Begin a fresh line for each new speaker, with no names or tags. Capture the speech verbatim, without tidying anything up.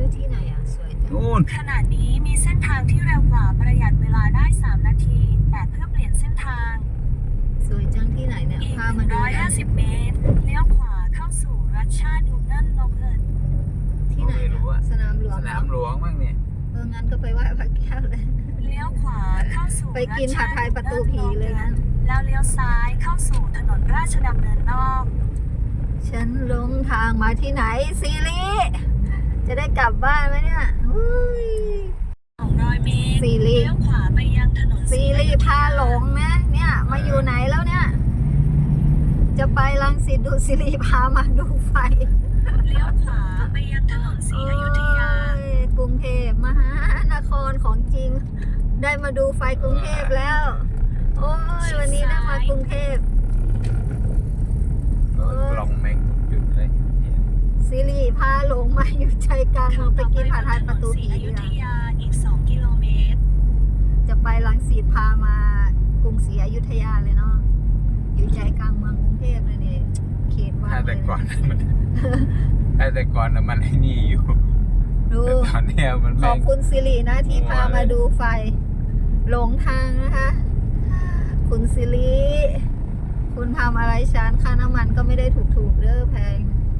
ที่ไหนอ่ะสวยจัง
นู่น
ขณะนี้มีเส้นทางที่เร็วกว่าประหยัดเวลาได้สามนาทีแต่เพื่อเปลี่ยนเส้นทาง
สวยจังที่ไหนเนี่ย
อีก
พามาดูนะ
หนึ่งร้อยห้าสิบ เมตรเลี้ยวขวาเข้าสู่รัชชาดูเงินโนเกิล
ที่ไหน
ไม่รู้อะ
สนามหลวง
สนามหลวงบ้างเนี่ย
เอองั้นก็ไปไหว้พระแก้วเลย
เลี้ยวขวาเข้าสู่
ไปกินผัดไทยประตูผีเลยนะ
แล้วเลี้ยวซ้ายเข้าสู่ถนนราชดำเนินนอก
ฉันหลงทางมาที่ไหนซีรีจะได้กลับบ้านไหมเนี่ยอุ้ย
สองร้อย เมตร
ซีรี
เลี้ยวขวาไปยังถนน
ซีรีพาหลงนะเนี่ยมาอยู่ไหนแล้วเนี่ย จะไปรังสิตดูซีรีพามาดูไฟ
เลี้ยวขวาไปยังถนนศรีอยุธยา
โอ้ยกรุงเทพมหานครของจริง ได้มาดูไฟกรุงเทพแล้ว โอ้ยวันนี้ได้มากรุงเทพ
โดนกล่องแมงจุดเลยเนี่ย
ซีรีพาหลงมาอยู่ใจกลางเมืองไปกินผัดไทยประตู
ศรี
ผี
อยุ
ดีก
ธ
ว่า
ยาอีกสองกิโลเมตร
จะไปรังสิตพามากรุงศรีอยุธยาเลยเนาะอยู่ใจกลางเมืองกรุงเทพเลยเนี่ยเขตว่าง
ถ้า
เล
แต่
ย
ก่อนมัน ถ้าแต่ก่อนน่ะมันไอ้นี่อยู่
ดู
แต่ตอนเนี้ยมัน
ข
แม่
อบ
ง
คุณสิรินะที่พา
โอ้ย
มาดูไฟ หลงทางนะคะ คุณสิริคุณทำอะไรฉันค่าน้ำมันก็ไม่ได้ถูกๆเด้อแพง